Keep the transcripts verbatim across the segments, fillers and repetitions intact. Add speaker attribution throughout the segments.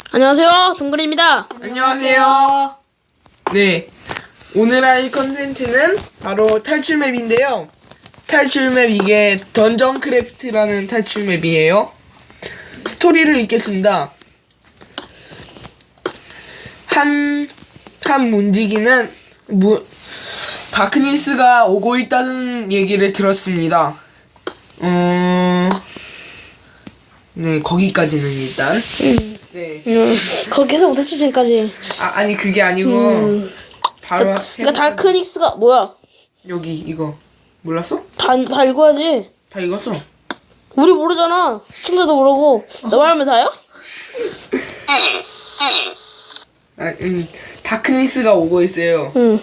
Speaker 1: 안녕하세요, 동글입니다.
Speaker 2: 안녕하세요. 네, 오늘 할 컨텐츠는 바로 탈출 맵인데요. 탈출 맵 이게 던전 크래프트라는 탈출 맵이에요. 스토리를 읽겠습니다. 한, 한 문지기는 무, 다크니스가 오고 있다는 얘기를 들었습니다. 어, 네, 거기까지는 일단.
Speaker 1: 음,
Speaker 2: 네.
Speaker 1: 음, 거기서부터 지금까지.
Speaker 2: 아, 아니 그게 아니고
Speaker 1: 음.
Speaker 2: 바로
Speaker 1: 그러니까 다크닉스가 뭐야?
Speaker 2: 여기 이거 몰랐어?
Speaker 1: 다, 다 읽어야지.
Speaker 2: 다 읽었어.
Speaker 1: 우리 모르잖아. 시청자도 모르고. 너만 하면 다요?
Speaker 2: 아, 음, 다크니스가 오고 있어요.
Speaker 1: 응.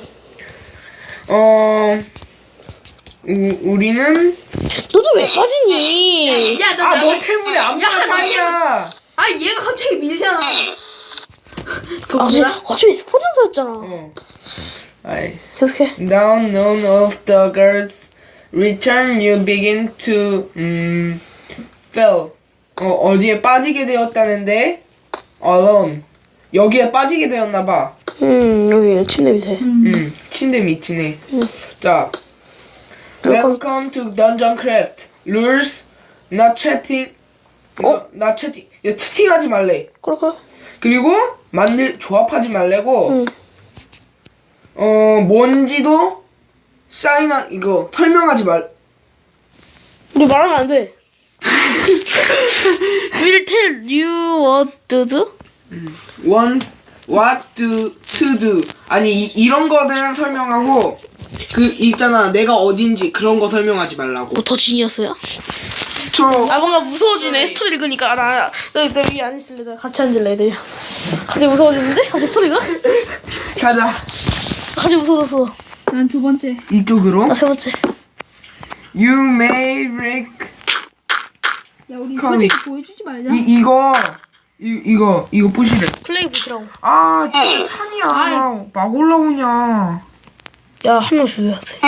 Speaker 2: 어, 우, 우리는
Speaker 1: 너도 왜 빠지니?
Speaker 3: 야, 나,
Speaker 2: 아,
Speaker 3: 나,
Speaker 2: 너 때문에 안
Speaker 3: 야,
Speaker 2: 빠졌냐?
Speaker 3: 아, 얘가 갑자기 밀잖아. 그거
Speaker 1: 아,
Speaker 3: 몰라?
Speaker 1: 갑자기 스포츠였잖아.
Speaker 2: 어. 아이.
Speaker 1: 계속해.
Speaker 2: Down none of the girls return you begin to um fell. 어, 어디에 빠지게 되었다는데 alone. 여기에 빠지게 되었나 봐.
Speaker 1: 음, 여기 침대 밑에.
Speaker 2: 음, 침대 밑이네. 자, Welcome to Dungeon Craft. Rules, not chatting. 어? not chatting. 야, 채팅하지 말래.
Speaker 1: 그래, 그래.
Speaker 2: 그리고 만들 조합하지 말래고.
Speaker 1: 응.
Speaker 2: 어, 뭔지도 사인하 이거 설명하지 말.
Speaker 1: 너 말하면 안 돼. Will tell you what to do?
Speaker 2: One, what to to do. 아니 이, 이런 거는 설명하고 그 있잖아 내가 어딘지 그런 거 설명하지 말라고.
Speaker 1: 뭐 더 지니었어요?
Speaker 2: 스토리.
Speaker 1: 아 뭔가 무서워지네. 스토리 읽으니까 나, 나, 나 위에 안 있을래. 나 같이 앉을래. 애들. 갑자기 무서워지는데? 갑자기 스토리가?
Speaker 2: 가자.
Speaker 1: 갑자기 무서워졌어.
Speaker 3: 난 두 번째.
Speaker 2: 이쪽으로.
Speaker 1: 나 세 번째.
Speaker 2: You may break.
Speaker 3: 야, 우리
Speaker 2: 커미.
Speaker 3: 솔직히 보여주지 말자.
Speaker 2: 이 이거 이 이거 이거 부시래.
Speaker 1: 클레이 보시라고.
Speaker 2: 아 진짜 찬이야. 막 올라오냐.
Speaker 1: 야, 한 명 죽여야 돼.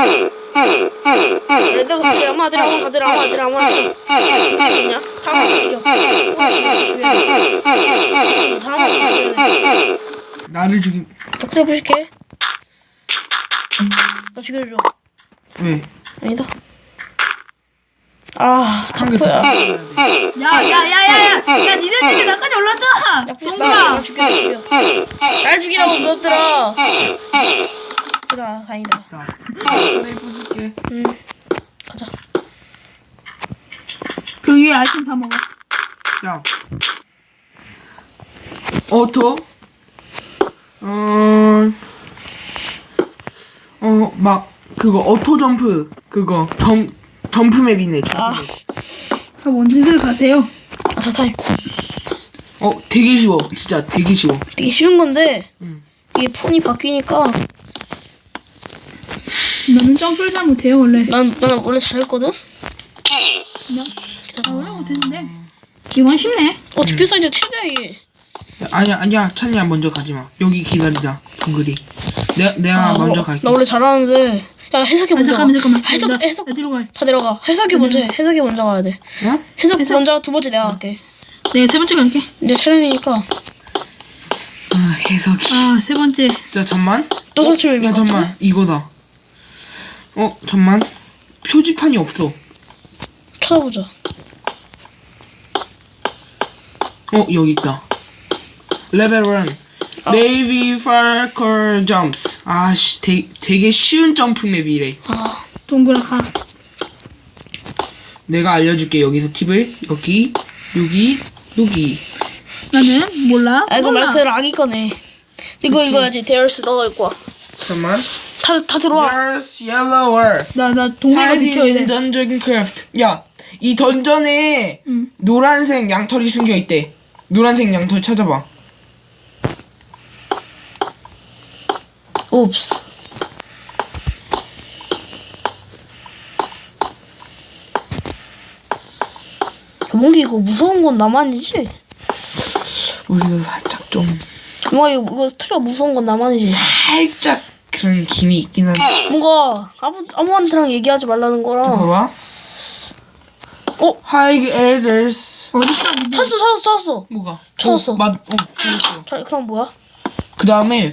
Speaker 1: 내가 그때 아마 아들 아마 아들 아마 아들 아마 아들 죽였냐? 다음 죽여. 다음
Speaker 2: 나를 죽임.
Speaker 1: 나 클레이 보실게. 나 죽여줘.
Speaker 2: 왜?
Speaker 1: 아니다. 아,
Speaker 2: 한개 더.
Speaker 1: 닥터야.
Speaker 3: 야, 야, 야, 야, 야, 야, 니들 중에 나까지 올랐잖아.
Speaker 1: 나
Speaker 3: 동그라.
Speaker 1: 죽여, 죽여. 날 죽이라고 그것들아. 그래, 다행이다.
Speaker 2: 자, 내 부술게.
Speaker 1: 응. 가자.
Speaker 3: 그 위에 아이템 다 먹어.
Speaker 2: 자, 오토. 어, 어, 막 그거 오토 점프 그거 점 점프 맵이네. 점프
Speaker 1: 아.
Speaker 2: 맵.
Speaker 3: 자, 원진들 가세요.
Speaker 1: 아, 저 타임.
Speaker 2: 어, 되게 쉬워. 진짜 되게 쉬워.
Speaker 1: 되게 쉬운 건데
Speaker 2: 응.
Speaker 1: 이게 폰이 바뀌니까
Speaker 3: 너는 점프를 잘 못해요, 원래.
Speaker 1: 난, 난 원래 잘했거든?
Speaker 3: 나 원래 못했는데. 이건 쉽네.
Speaker 1: 어, 뒷표 사이즈 최대야 이게.
Speaker 2: 아니야, 아니야. 찬이야 먼저 가지 마. 여기 기다리자. 동글이. 내가 내가
Speaker 1: 아,
Speaker 2: 먼저
Speaker 1: 어,
Speaker 2: 갈게.
Speaker 1: 나 원래 잘하는데. 야, 해석이
Speaker 3: 아,
Speaker 1: 먼저
Speaker 3: 잠깐만,
Speaker 1: 가.
Speaker 3: 잠깐만.
Speaker 1: 해석,
Speaker 3: 나,
Speaker 1: 해석.
Speaker 3: 나 뒤로 가.
Speaker 1: 다 내려가. 해석이 먼저 해. 해석이 먼저 가야 돼.
Speaker 2: 어?
Speaker 1: 해석,
Speaker 3: 해석.
Speaker 1: 먼저 두 번째 내가 갈게.
Speaker 3: 내가 세 번째 갈게.
Speaker 1: 내 촬영이니까.
Speaker 2: 아, 해석이.
Speaker 3: 아, 세 번째.
Speaker 2: 자, 잠만.
Speaker 1: 또 설치를
Speaker 2: 야, 잠만. 이거다. 어, 잠만. 표지판이 없어.
Speaker 1: 찾아보자.
Speaker 2: 어, 여기 있다. 레벨 일.
Speaker 1: 어.
Speaker 2: Navy Falcon Jumps. 아씨, 되, 되게 쉬운 점프 맵이래.
Speaker 1: 아,
Speaker 3: 동그라 가.
Speaker 2: 내가 알려줄게. 여기서 팁을. 여기, 여기, 여기.
Speaker 3: 나는 몰라.
Speaker 1: 아 이거 말
Speaker 3: 몰라.
Speaker 1: 그대로 아기 거네. 이거 이거 해야지. 데얼스 너가 읽고 와.
Speaker 2: 잠만.
Speaker 1: 다, 다 들어와.
Speaker 2: There's yellower.
Speaker 3: 나, 나 동그리가
Speaker 2: Hide
Speaker 3: 비켜야
Speaker 2: in
Speaker 3: 돼.
Speaker 2: Dungeon Craft. 야, 이 던전에
Speaker 3: 응.
Speaker 2: 노란색 양털이 숨겨 있대. 노란색 양털 찾아봐.
Speaker 1: 옵스. 뭔가 이거 무서운 건 나만이지?
Speaker 2: 우리가 살짝 좀
Speaker 1: 뭔가 이거, 이거 스토리가 무서운 건 나만이지?
Speaker 2: 살짝 그런 김이 있긴 한데.
Speaker 1: 뭔가 아무, 아무한테랑 얘기하지 말라는 거랑
Speaker 2: 봐봐.
Speaker 1: 어?
Speaker 2: Hide elders
Speaker 3: 어딨어?
Speaker 1: 찾았어 찾았어 찾았어.
Speaker 2: 뭐가?
Speaker 1: 찾았어.
Speaker 2: 어, 맞, 어, 찾았어.
Speaker 1: 자, 그럼 뭐야?
Speaker 2: 그 다음에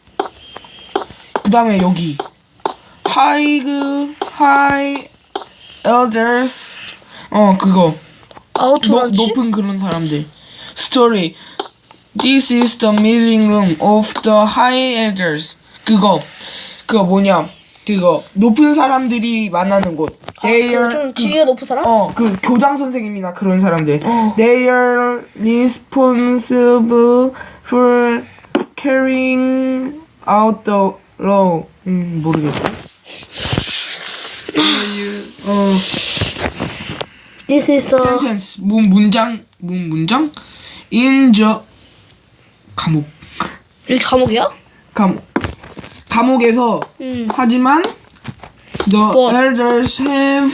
Speaker 2: 그 다음에 여기 하이그 하이 elders 어 그거
Speaker 1: 아우토
Speaker 2: 노,
Speaker 1: 런치?
Speaker 2: 높은 그런 사람들 스토리 This is the meeting room of the high elders 그거 그거 뭐냐 그거 높은 사람들이 만나는 곳 They
Speaker 1: 아,
Speaker 2: are
Speaker 1: 그좀 지위가 높은 사람?
Speaker 2: 어, 그 교장 선생님이나 그런 사람들.
Speaker 1: 어.
Speaker 2: They are responsible for carrying out the law. 음, 모르겠어. 어,
Speaker 1: This is the
Speaker 2: sentence. 문 문장, 문 문장. In the 감옥.
Speaker 1: 여기 감옥이야?
Speaker 2: 감옥. 감옥에서
Speaker 1: 음.
Speaker 2: 하지만 the
Speaker 1: 뭐?
Speaker 2: elders have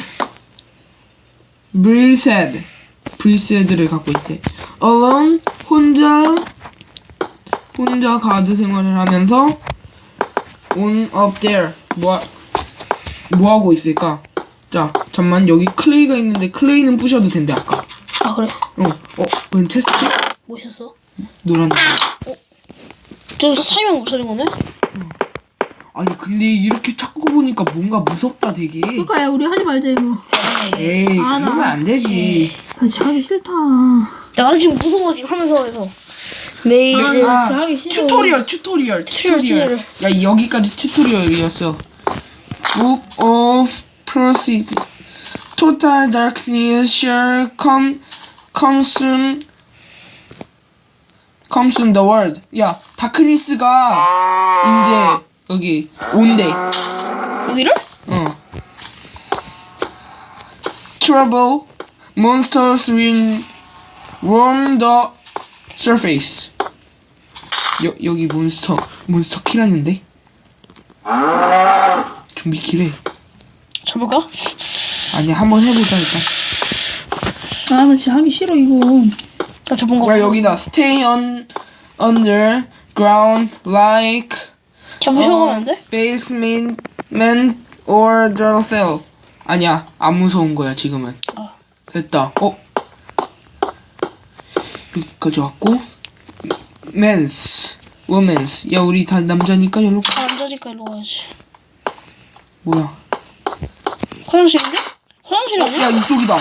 Speaker 2: breathed breathed를 갖고 있대. alone 혼자 혼자 가드 생활을 하면서 on up there 뭐, 뭐 하고 있을까? 자, 잠만 여기 클레이가 있는데 클레이는 부셔도 된대 아까.
Speaker 1: 아 그래?
Speaker 2: 어, 어, 웬 체스트?
Speaker 1: 뭐셨어?
Speaker 2: 노란.
Speaker 1: 저 타이밍 못 찾은 거네?
Speaker 2: 아니 근데 이렇게 찾고 보니까 뭔가 무섭다 되게.
Speaker 3: 그러니까 야 우리 하지 말자 이거.
Speaker 2: 에이
Speaker 3: 아, 나-
Speaker 2: 그러면 안 되지.
Speaker 3: 같이 하기 싫다.
Speaker 1: 나 지금 무서워 지금 하면서 해서 메이즈
Speaker 2: 아,
Speaker 3: 진짜 하기 싫어.
Speaker 2: 튜토리얼 튜토리얼
Speaker 1: 튜토리얼,
Speaker 2: 튜토리얼 야 여기까지 튜토리얼이었어. Book of Proceed Total Darkness shall come consume consume the world. 야 다크니스가 이제 여기 온대.
Speaker 1: 여기를?
Speaker 2: 어. Trouble monsters will roam the surface. 여, 여기 몬스터 몬스터 키라는데? 좀비 키래.
Speaker 1: 잡을까?
Speaker 2: 아니 한번 해보자 일단.
Speaker 3: 아 나 진짜 하기 싫어 이거.
Speaker 1: 나 잡은 거
Speaker 2: 야 여기다 stay on underground like
Speaker 1: 잡으셔도 안 돼?
Speaker 2: basement man or the cell. 아니야 안 무서운 거야 지금은.
Speaker 1: 아.
Speaker 2: 됐다. 어? 여기까지 왔고 men's women's 야 우리 다 남자니까 여기로 가.
Speaker 1: 앉아니까 일로 가야지.
Speaker 2: 뭐야?
Speaker 1: 화장실인데? 화장실 아니야?
Speaker 2: 야 이쪽이다. 어?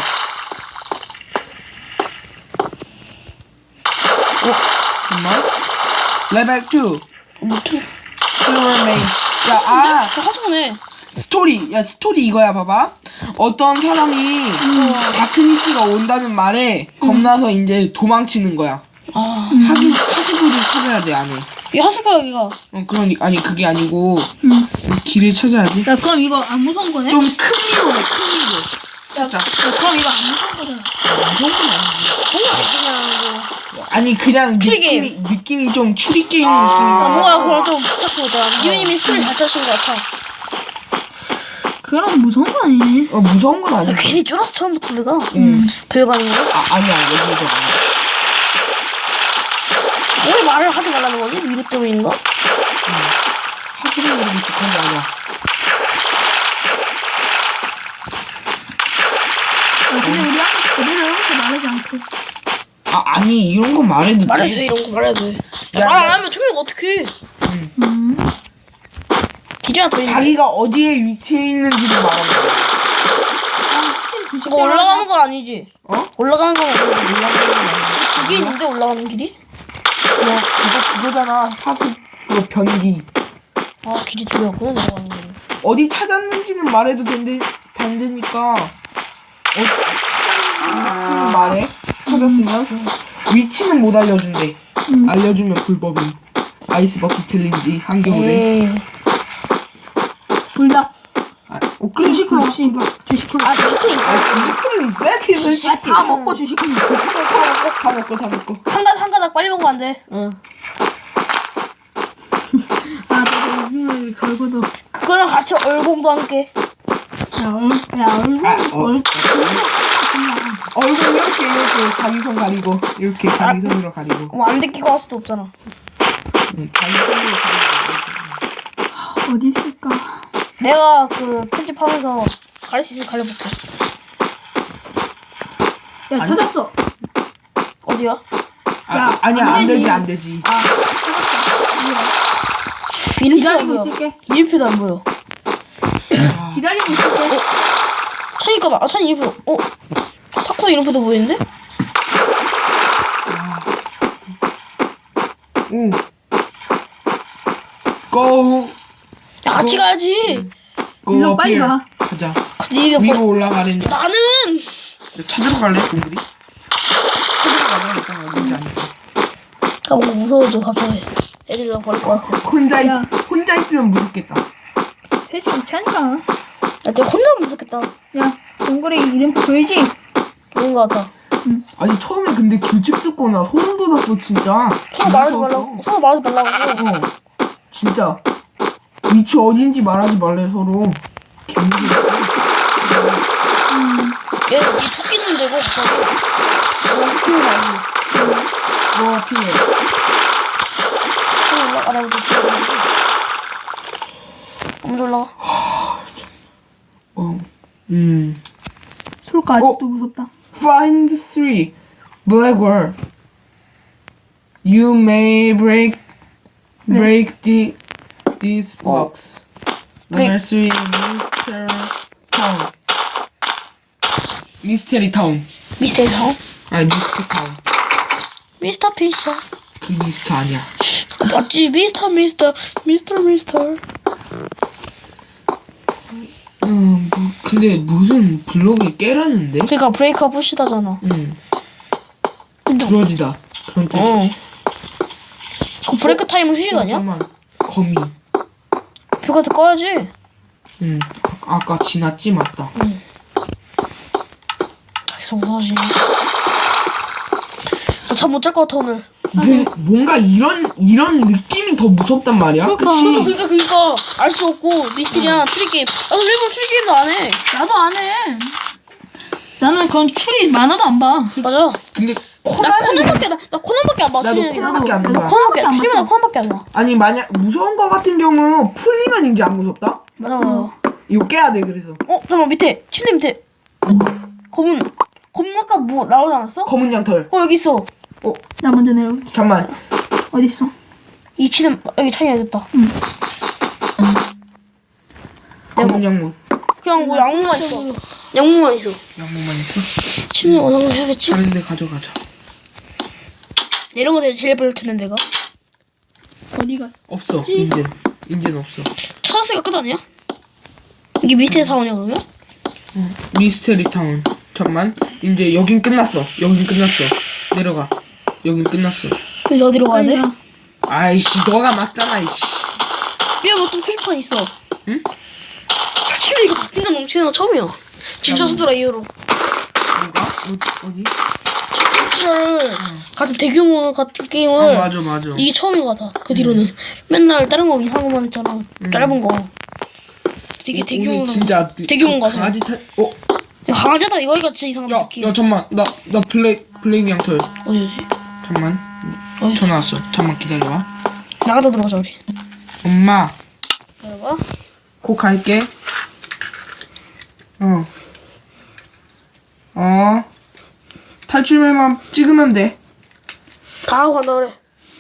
Speaker 2: 정말? 레벨 투
Speaker 1: 뭐 투?
Speaker 2: Silver Mage. 야, 아,
Speaker 1: 나 하수구네.
Speaker 2: 스토리. 야, 스토리 이거야, 봐봐. 어떤 사람이 다크니스가 온다는 말에 겁나서 이제 도망치는 거야.
Speaker 1: 아,
Speaker 2: 하수, 하수구를 찾아야 돼, 안에.
Speaker 1: 이 하수구야 여기가.
Speaker 2: 어, 그러니, 아니, 그게 아니고,
Speaker 3: 응.
Speaker 2: 길을 찾아야지.
Speaker 3: 야 그럼 이거 안 무서운 거네?
Speaker 2: 좀 큰 미로네, 큰 미로.
Speaker 3: 야, 야 그럼 이거 안 무서운 거잖아.
Speaker 2: 무서운 건 아니지.
Speaker 1: 그건 아니지 그냥 뭐.
Speaker 2: 아니, 그냥
Speaker 1: 추리
Speaker 2: 느낌이, 느낌이 좀 추리게임
Speaker 1: 아
Speaker 2: 느낌이다.
Speaker 1: 뭐야 그럼 좀 복잡한 거잖아. 유인님이 스토리 잘 짜신 것 같아.
Speaker 3: 그럼 무서운 거 아니니?
Speaker 2: 어, 무서운 건
Speaker 1: 야,
Speaker 2: 아니지.
Speaker 1: 괜히 쫄아서 처음부터 우리가
Speaker 2: 응.
Speaker 1: 별거 아닌 거야?
Speaker 2: 아, 아니야, 여기도 아니야.
Speaker 1: 왜 말을 하지 말라는 거지? 위로 때문인가?
Speaker 2: 하수구를 모르겠지, 그런 게 아니야.
Speaker 3: 야, 근데 우리 아까 제대로 이렇게 말하지 않고.
Speaker 2: 아, 아니, 이런 건 말해도
Speaker 1: 말해도 돼
Speaker 2: 돼.
Speaker 1: 이런 거 말해도 돼.
Speaker 2: 야,
Speaker 1: 말 안
Speaker 2: 야.
Speaker 1: 하면 토요일 어떡해.
Speaker 3: 음.
Speaker 1: 기재가 더 있는데.
Speaker 2: 자기가 어디에 위치해 있는지를 말하는 거야.
Speaker 1: 이거 올라가는 건 아니지?
Speaker 2: 어?
Speaker 1: 올라가는 건 아니지?
Speaker 2: 올라가는 건 아니야.
Speaker 1: 그게 있는데 올라가는 길이?
Speaker 2: 그거, 그거, 그거잖아. 하수, 그거 변기.
Speaker 1: 아 길이 두 개였구나 내려가는 게.
Speaker 2: 어디 찾았는지는 말해도 된대, 된다니까. 어, 찾았는지는 말해. 찾았으면. 위치는 못 알려준대.
Speaker 3: 음.
Speaker 2: 알려주면 불법임. 아이스 버킷 챌린지, 한겨울에.
Speaker 1: 에이.
Speaker 3: 불닭.
Speaker 2: 아, 어, 그래.
Speaker 3: 주식은 없이. 주식은
Speaker 1: 아 주식은
Speaker 2: 아, 주식은 있어야지, 솔직히.
Speaker 3: 야, 다 먹고 주식은
Speaker 2: 다 먹고, 다 먹고, 다 먹고.
Speaker 1: 한 가닥 한 가닥 빨리 먹으면 안 돼.
Speaker 2: 응.
Speaker 3: 아, 나도 생각이 걸고도.
Speaker 1: 그거랑 같이 얼공도 함께.
Speaker 3: 야, 얼, 야, 얼굴,
Speaker 2: 아, 어.
Speaker 3: 얼,
Speaker 2: 얼굴 이렇게, 이렇게, 자기 손 가리고, 이렇게 자기 손으로 가리고.
Speaker 1: 뭐안 데끼고 할 수도 없잖아.
Speaker 2: 응, 자기 손으로 가리고.
Speaker 3: 어디 있을까?
Speaker 1: 내가 그 편집하면서 가릴 수 있으면 가려볼게.
Speaker 3: 야, 찾았어.
Speaker 1: 어디야?
Speaker 2: 아,
Speaker 3: 야,
Speaker 2: 아니야
Speaker 3: 안
Speaker 2: 안 되지
Speaker 3: 되지.
Speaker 2: 안 되지.
Speaker 3: 아,
Speaker 1: 이름표도 안
Speaker 3: 기다리고
Speaker 1: 보여.
Speaker 3: 있을게.
Speaker 1: 이름표도 안 보여.
Speaker 2: 아,
Speaker 3: 기다리고 있을게.
Speaker 1: 찬이가 봐. 아, 찬이 이름표. 어? 타쿠 이름표도 보이는데?
Speaker 2: 오. Go.
Speaker 1: 야, 같이
Speaker 2: 어?
Speaker 1: 가야지.
Speaker 2: Go
Speaker 3: 일로
Speaker 2: up
Speaker 3: 빨리
Speaker 2: here.
Speaker 3: 와.
Speaker 2: 가자.
Speaker 1: 니가
Speaker 2: 위로
Speaker 1: 뭐...
Speaker 2: 올라가는데.
Speaker 1: 나는
Speaker 2: 찾으러 갈래 동물이? 찾으러 가자 일단 어딘지 아니까.
Speaker 1: 아 뭔가 무서워져 갑자기. 애들이 나 버릴 것 같고.
Speaker 2: 혼자 있
Speaker 3: 야.
Speaker 2: 혼자 있으면 무섭겠다.
Speaker 3: 셋이 괜찮아.
Speaker 1: 야, 진짜 혼자 무섭겠다.
Speaker 3: 야, 동굴에 이름표 보이지?
Speaker 1: 그런 것 같아.
Speaker 2: 아니 처음에 근데 규칙 듣고 나 소름 돋았어 진짜.
Speaker 1: 서로 말하지
Speaker 2: 무서웠어.
Speaker 1: 말라고. 서로 말하지 말라고.
Speaker 2: 어 진짜 위치 어딘지 말하지 말래 서로. 개무서웠어.
Speaker 3: 음.
Speaker 1: 얘, 얘 토끼는 되고 갑자기. 어, 토끼는 아니야.
Speaker 2: 뭐 필요해.
Speaker 1: 처음 올라가라고 뛰어가지고. 먼저 올라가.
Speaker 2: 어. 음.
Speaker 3: 솔까 아직도 무섭다.
Speaker 2: Find three black word. You may break break the these blocks. Number three, Mister Town. 미스테리 타운.
Speaker 1: 미스터 타운?
Speaker 2: 아니 미스터 타운.
Speaker 1: 미스터 피셔.
Speaker 2: 그 미스터 아니야.
Speaker 1: 맞지? 미스터 미스터 미스터 미스터.
Speaker 2: 음, 뭐, 근데 무슨 블록이 깨라는데?
Speaker 1: 그러니까 브레이크가 부시다잖아.
Speaker 2: 응.
Speaker 1: 근데
Speaker 2: 부러지다. 그런 뜻.
Speaker 1: 어. 그 브레이크 타임은 휴식 아니야?
Speaker 2: 잠깐만. 거미.
Speaker 1: 뷰가 더 꺼야지.
Speaker 2: 응. 아까 지났지 맞다.
Speaker 1: 계속 무서워지네. 나 잠 못 잘 것 같아 오늘.
Speaker 2: 뭐, 뭔가 이런 이런 느낌이 더 무섭단 말이야.
Speaker 3: 그러니까.
Speaker 2: 그치?
Speaker 1: 그러니까 그러니까 알 수 없고 미스테리한 추리 게임. 나도 일본 추리 게임도 안 해.
Speaker 3: 나도 안 해. 나는 그런 추리 만화도 안 봐.
Speaker 1: 맞아.
Speaker 2: 근데
Speaker 1: 나
Speaker 2: 코난은
Speaker 1: 코난밖에 나, 나 코난밖에 안 봐.
Speaker 2: 나도
Speaker 1: 추리 게임.
Speaker 2: 코난밖에 안
Speaker 1: 나
Speaker 2: 봐.
Speaker 1: 코난밖에 안
Speaker 3: 안
Speaker 1: 추리면
Speaker 3: 봤어.
Speaker 1: 코난밖에 안 봐.
Speaker 2: 아니 만약 무서운 거 같은 경우 풀리면 이제 안 무섭다.
Speaker 1: 맞아 맞아.
Speaker 2: 이거 깨야 돼 그래서.
Speaker 1: 어 잠깐만 밑에 침대 밑에 검은 검은 아까 뭐 나오지 않았어?
Speaker 2: 검은 양털.
Speaker 1: 어 여기 있어.
Speaker 3: 나 먼저 내려올게.
Speaker 2: 잠만.
Speaker 3: 어디 있어?
Speaker 1: 이 침대 여기 창이 됐다.
Speaker 2: 검은 양모.
Speaker 1: 그냥 뭐 양모만 있어. 양모만 있어.
Speaker 2: 양모만 있어?
Speaker 1: 침대 원하면 해야겠지?
Speaker 2: 다른 데 가져가자.
Speaker 1: 이런 거 내가 제일 빨리 찾는 데가.
Speaker 3: 어디 갔어?
Speaker 2: 없어. 인젠. 인젠 없어.
Speaker 1: 찾았으니까 끝 아니야? 이게 미스테리 사원이야 그러면?
Speaker 2: 미스테리 타운. 잠만. 이제 여긴 끝났어. 여긴 끝났어. 내려가. 여긴 끝났어.
Speaker 1: 그래서 어디로 가야 돼?
Speaker 3: 빨리 가.
Speaker 2: 아이씨 너가 맞잖아 이씨.
Speaker 1: 야, 뭐또 표지판 있어.
Speaker 2: 응?
Speaker 1: 야, 침대 이거 바뀐 건 넘치는 거 처음이야. 진짜 스토라 이후로.
Speaker 2: 뭐가? 어디? 어디?
Speaker 1: 스토라를 같은 대규모 같은
Speaker 2: 어
Speaker 1: 게임을
Speaker 2: 맞아 맞아.
Speaker 1: 이게 처음인 것 같아. 그 뒤로는 맨날 다른 거 이상한 것만 했잖아. 짧은 거. 되게
Speaker 2: 오-
Speaker 1: 대규모.
Speaker 2: 오늘 진짜
Speaker 1: 대규모인 거 같아.
Speaker 2: 강아지 탈. 어?
Speaker 1: 야, 강아지다 이거 같이 이상한
Speaker 2: 야,
Speaker 1: 느낌.
Speaker 2: 야 잠만. 나 나 블랙 블랙 양털.
Speaker 1: 어디 어디?
Speaker 2: 잠만.
Speaker 1: 어디?
Speaker 2: 전화 왔어. 잠만 기다려봐.
Speaker 1: 나가다 들어가자 우리.
Speaker 2: 엄마.
Speaker 1: 기다려봐.
Speaker 2: 곧 갈게. 어. 어. 탈출맨만 찍으면 돼.
Speaker 1: 다 하고 간다 그래.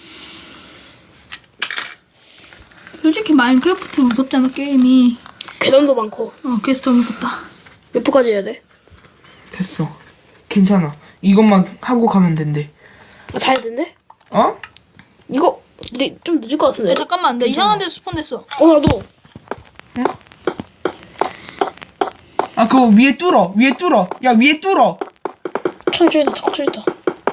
Speaker 3: 솔직히 마인크래프트 무섭잖아 게임이.
Speaker 1: 계단도 많고.
Speaker 3: 어 그래서 더 무섭다.
Speaker 1: 몇 포까지 해야 돼?
Speaker 2: 됐어. 괜찮아. 이것만 하고 가면 된대.
Speaker 1: 아, 다 해야 된대?
Speaker 2: 어?
Speaker 1: 이거 근데 좀 늦을 것 같은데.
Speaker 3: 야 잠깐만 나 이상한 데서 스폰됐어.
Speaker 1: 어 나도.
Speaker 2: 아 그거 위에 뚫어. 위에 뚫어. 야 위에 뚫어.
Speaker 1: 천 저기다 자꾸 저기다.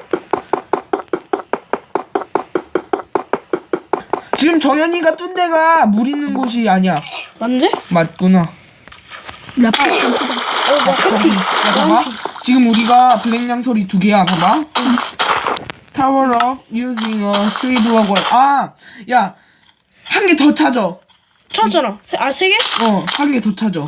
Speaker 2: 지금 정현이가 뚫은 데가 물 있는 곳이 아니야.
Speaker 1: 맞는데?
Speaker 2: 맞구나.
Speaker 3: 라파.
Speaker 1: 어, 나 해피.
Speaker 2: 야 봐봐. 지금 우리가 블랙 양털이 두 개야. 봐봐. Power up using a three block wall. 아, 야, 한 개 더 찾아.
Speaker 1: 찾았잖아. 세, 아, 세 개?
Speaker 2: 어, 한 개 더 찾아.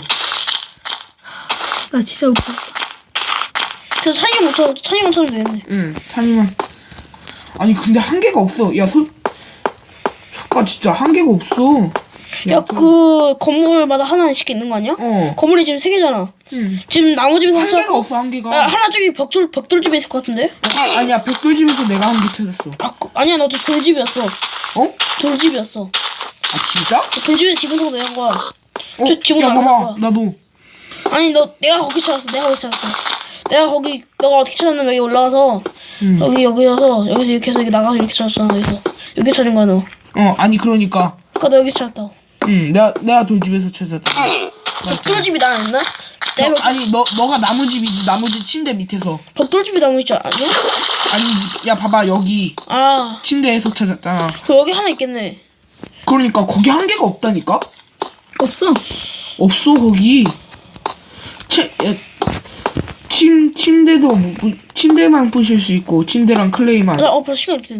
Speaker 3: 나 진짜 웃겨.
Speaker 1: 그래서 찬이가 못 찾아. 찬이만 찾으면 되겠네.
Speaker 2: 응, 찬이만. 아니 근데 한 개가 없어. 야, 솔, 솔까 진짜 한 개가 없어.
Speaker 1: 야, 그 건물마다 하나씩 있는 거 아니야?
Speaker 2: 어.
Speaker 1: 건물이 지금 세 개잖아.
Speaker 2: 응.
Speaker 1: 지금 나무집에서
Speaker 2: 한 개가
Speaker 1: 찾았고.
Speaker 2: 없어 한 개가.
Speaker 1: 야, 하나 저기 벽돌 벽돌집에 있을 것 같은데?
Speaker 2: 아니야 백돌집에서 내가 한 개 찾았어.
Speaker 1: 아, 그, 아니야, 나도 돌집이었어.
Speaker 2: 어?
Speaker 1: 돌집이었어.
Speaker 2: 아 진짜?
Speaker 1: 돌집에서 지분 타고 내간 거야.
Speaker 2: 어?
Speaker 1: 저 지금
Speaker 2: 야
Speaker 1: 안
Speaker 2: 봐봐
Speaker 1: 거야.
Speaker 2: 나도.
Speaker 1: 아니, 너 내가 거기 찾았어. 내가 거기 찾았어. 내가 거기 너가 어떻게 찾았냐면 여기 올라와서
Speaker 2: 응.
Speaker 1: 여기 여기여서 여기서 이렇게 해서 이렇게 나가서 이렇게 찾았잖아. 여기서 여기 찾은 거야 너.
Speaker 2: 어 아니 그러니까.
Speaker 1: 그러니까 너 여기 찾았다고.
Speaker 2: 응 내가 내가 돌집에서 찾았다.
Speaker 1: 벽돌집이 나왔나?
Speaker 2: 어,
Speaker 1: 내 벽,
Speaker 2: 아니 너 너가 나무집이지 나무집 침대 밑에서.
Speaker 1: 벽돌집이 나무 있지 않냐?
Speaker 2: 아니지 야 봐봐 여기
Speaker 1: 아,
Speaker 2: 침대에서 찾았잖아.
Speaker 1: 그럼 여기 하나 있겠네.
Speaker 2: 그러니까 거기 한 개가 없다니까?
Speaker 1: 없어.
Speaker 2: 없어 거기. 치, 야, 침 침대도 뭐, 부- 침대만 부실 수 있고 침대랑 클레이만.
Speaker 1: 어, 벌써 시간 이렇게 됐네.